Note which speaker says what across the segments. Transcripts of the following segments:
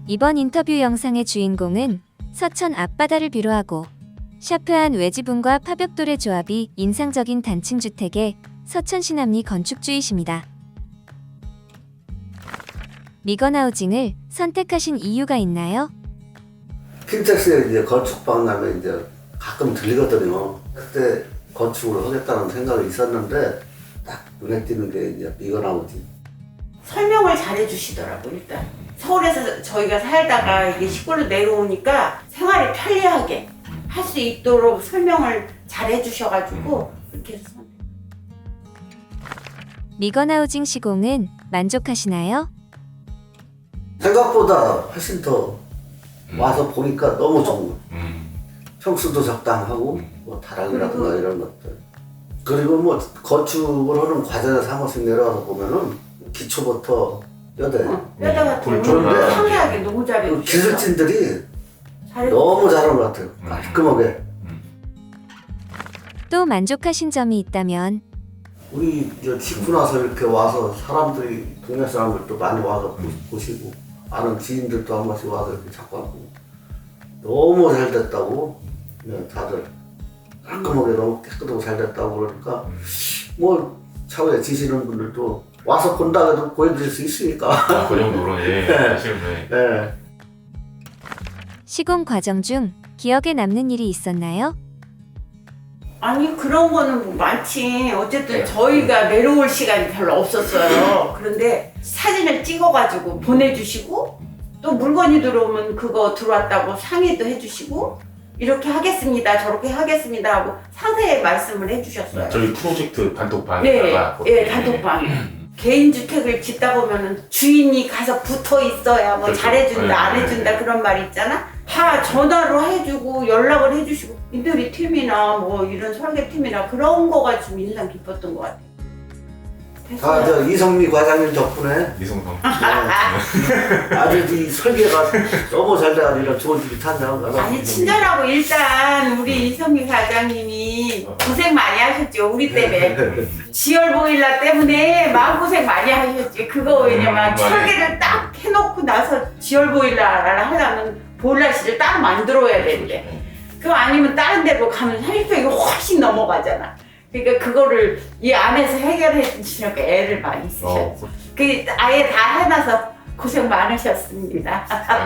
Speaker 1: 이번 인터뷰 영상의 주인공은 서천 앞바다를 비로하고 샤프한 외지분과 파벽돌의 조합이 인상적인 단층 주택의 서천 신암리 건축주이십니다. 미건하우징을 선택하신 이유가 있나요?
Speaker 2: 킨텍스에 이제 건축 박람회 이제 가끔 들리거든요. 그때 건축을 하겠다는 생각이 있었는데 딱 눈에 띄는 게 이제 미건하우징.
Speaker 3: 설명을 잘 해주시더라고. 일단 서울에서 저희가 살다가 이게 시골로 내려오니까 생활이 편리하게 할 수 있도록 설명을 잘 해주셔가지고 그렇게 해서
Speaker 1: 미건하우징 시공은 만족하시나요?
Speaker 2: 생각보다 훨씬 더 와서 보니까 너무 좋은 거예요. 평수도 적당하고 뭐 다락이라든가 이런 것들. 그리고 뭐 건축을 하는 과정에서 한 번씩 내려와서 보면은 기초부터 뼈대.
Speaker 3: 뼈대 같은
Speaker 2: 불조나.
Speaker 3: 거 상세하게 너무 잘해주셔서
Speaker 2: 기술진들이 너무 잘한 것 같아요. 깔끔하게.
Speaker 1: 또 만족하신 점이 있다면
Speaker 2: 우리 이제 짓고 나서 이렇게 와서 사람들이 동네 사람들도 많이 와서 보시고 아는 지인들도 한 번씩 와서 이렇게 자꾸 하고 너무 잘 됐다고 다들 깔끔하게 너무 깨끗하고 잘 됐다고 그러니까 뭐 차후에 지시는 분들도 와서 본다 해도 보여드릴 수 있으니까.
Speaker 4: 그 정도로 사실은
Speaker 2: 네.
Speaker 1: 시공 과정 중 기억에 남는 일이 있었나요?
Speaker 3: 아니 그런 거는 뭐 많지. 어쨌든 저희가 내려올 시간이 별로 없었어요. 그런데 사진을 찍어가지고 보내주시고 또 물건이 들어오면 그거 들어왔다고 상의도 해주시고 이렇게 하겠습니다 저렇게 하겠습니다 하고 상세히 말씀을 해주셨어요.
Speaker 4: 저희 프로젝트 단톡방에다가
Speaker 3: 네, 단톡방에 개인주택을 짓다 보면은 주인이 가서 붙어 있어야 뭐
Speaker 4: 그렇죠.
Speaker 3: 잘해준다 안 해준다 그런 말 있잖아. 다 전화로 해주고 연락을 해주시고 인테리어 팀이나 뭐 이런 설계팀이나 그런 거가 좀 인상 깊었던 것 같아요.
Speaker 2: 다 저 이성미 과장님 덕분에
Speaker 4: 이성성
Speaker 2: 아주 이 설계가 너무 잘 돼가지고 이런 좋은 집이 탄생한 거라.
Speaker 3: 아니 친절하고 일단 우리 이성미 과장님이 고생 많이 하셨죠. 우리 때문에 지열 보일러 때문에 마음고생 많이 하셨지. 그거 왜냐면
Speaker 4: 맞아요.
Speaker 3: 설계를 딱 해놓고 나서 지열 보일러를 하려면 보일러실을 따로 만들어야 되는데 그거 아니면 다른 데로 가면 30평이 훨씬 넘어가잖아. 그러니까 그거를 이 안에서 해결해 주시니까 애를 많이 쓰셨죠. 그 아예 다 해놔서 고생 많으셨습니다.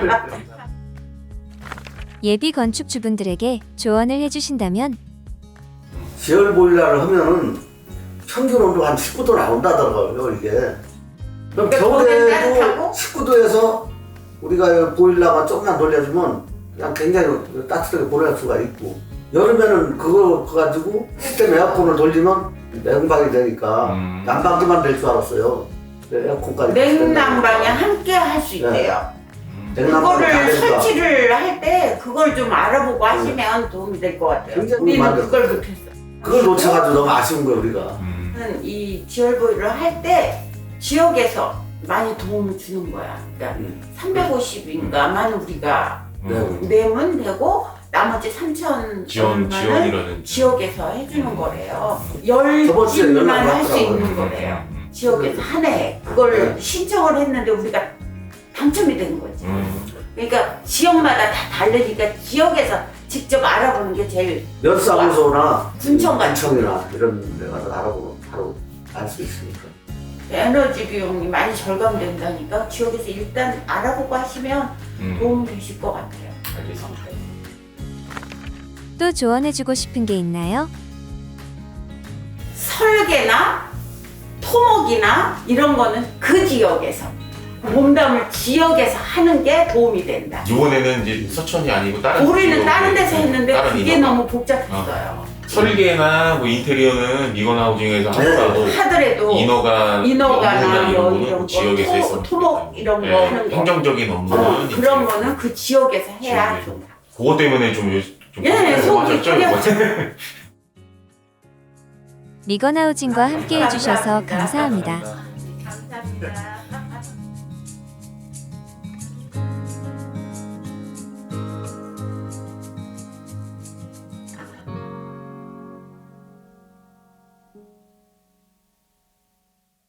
Speaker 1: 예비 건축주분들에게 조언을 해주신다면
Speaker 2: 지열 보일러를 하면은 평균 온도 한 19도 나온다더라고요 이게. 그럼
Speaker 3: 그러니까 거기는 따뜻하고?
Speaker 2: 겨울에도 19도에서 우리가 보일러만 조금만 돌려주면 그냥 굉장히 따뜻하게 보낼 수가 있고 여름에는 그거 가지고 시스템 에어컨을 돌리면 냉방이 되니까 난방기만 될 줄 알았어요. 에어컨까지
Speaker 3: 냉난방에 함께 할 수 있대요. 그거를 설치를 할 때 그걸 좀 알아보고 하시면 도움이 될 것 같아요.
Speaker 2: 굉장히
Speaker 3: 우리는 그걸 못했어.
Speaker 2: 그걸 놓쳐가지고 너무 아쉬운 거예요 우리가.
Speaker 3: 이 지열보일러를 할 때 지역에서 많이 도움을 주는 거야. 그러니까 350인가만 우리가 내면 되고 나머지 3,000
Speaker 4: 지원이라는
Speaker 3: 지역에서 해주는 거래요.
Speaker 2: 저번 주에
Speaker 3: 10집만
Speaker 2: 연락이
Speaker 3: 할 수
Speaker 2: 왔더라고요.
Speaker 3: 있는 거래요. 지역에서 한 해 그걸 신청을 했는데 우리가 당첨이 된 거지. 그러니까 지역마다 다 다르니까 지역에서 직접 알아보는 게 제일
Speaker 2: 연사무소나
Speaker 3: 군청 같은
Speaker 2: 군청이나 이런 데 가서 알아보면 바로 알 수 있으니까.
Speaker 3: 에너지 비용이 많이 절감된다니까 지역에서 일단 알아보고 하시면 도움 되실 것 같아요.
Speaker 4: 알겠습니다.
Speaker 1: 또 조언해주고 싶은 게 있나요?
Speaker 3: 설계나 토목이나 이런 거는 그 지역에서 몸담을 지역에서 하는 게 도움이 된다.
Speaker 4: 이번에는 이제 서천이 아니고 다른
Speaker 3: 우리는 다른 데서 했는데
Speaker 4: 다른
Speaker 3: 그게
Speaker 4: 인허가.
Speaker 3: 너무 복잡했어요.
Speaker 4: 설계나 뭐 인테리어는 미건하우징에서 하더라도
Speaker 3: 인허가나
Speaker 4: 업무나
Speaker 3: 뭐
Speaker 4: 거는
Speaker 3: 이런 거
Speaker 4: 지역에서 했었기
Speaker 3: 토목
Speaker 4: 때문에.
Speaker 3: 이런 거 하는 거
Speaker 4: 행정적인 업무는
Speaker 3: 그런 거는 그 지역에서 해야
Speaker 4: 지역에서.
Speaker 3: 좀
Speaker 4: 그것 때문에 좀
Speaker 3: 속이
Speaker 4: 하셨죠, 이거?
Speaker 1: 미건하우징과 함께 해주셔서 감사합니다.
Speaker 3: 감사합니다.